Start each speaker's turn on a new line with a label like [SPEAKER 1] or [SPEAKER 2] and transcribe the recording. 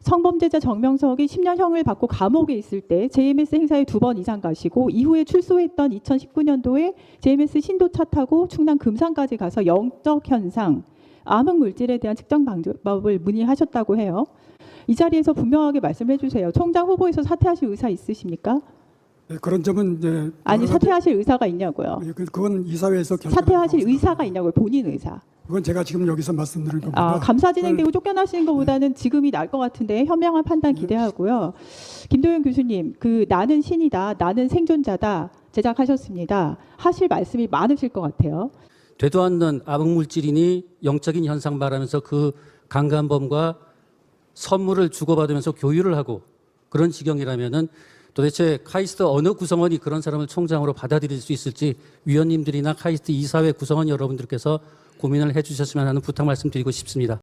[SPEAKER 1] 성범죄자 정명석이 10년형을 받고 감옥에 있을 때 JMS 행사에 2번 이상 가시고 이후에 출소했던 2019년도에 JMS 신도차 타고 충남 금산까지 가서 영적 현상, 암흑 물질에 대한 측정 방법을 문의하셨다고 해요. 이 자리에서 분명하게 말씀해 주세요. 총장 후보에서 사퇴하실 의사 있으십니까?
[SPEAKER 2] 네, 그런 점은 이제
[SPEAKER 1] 아니 사퇴하실 의사가 있냐고요.
[SPEAKER 2] 그건 이사회에서
[SPEAKER 1] 사퇴하실 의사가 있냐고요. 본인 의사.
[SPEAKER 2] 그건 제가 지금 여기서 말씀드린 겁니다.
[SPEAKER 1] 감사 진행되고 쫓겨나시는 것보다는 지금이 나을 것 같은데 현명한 판단 기대하고요. 김도현 교수님, 나는 신이다, 나는 생존자다 제작하셨습니다. 하실 말씀이 많으실 것 같아요.
[SPEAKER 3] 되도 않는 암흑물질이니 영적인 현상 말하면서 그 강간범과 선물을 주고받으면서 교유를 하고 그런 지경이라면은 도대체 카이스트 어느 구성원이 그런 사람을 총장으로 받아들일 수 있을지 위원님들이나 카이스트 이사회 구성원 여러분들께서 고민을 해주셨으면 하는 부탁 말씀드리고 싶습니다.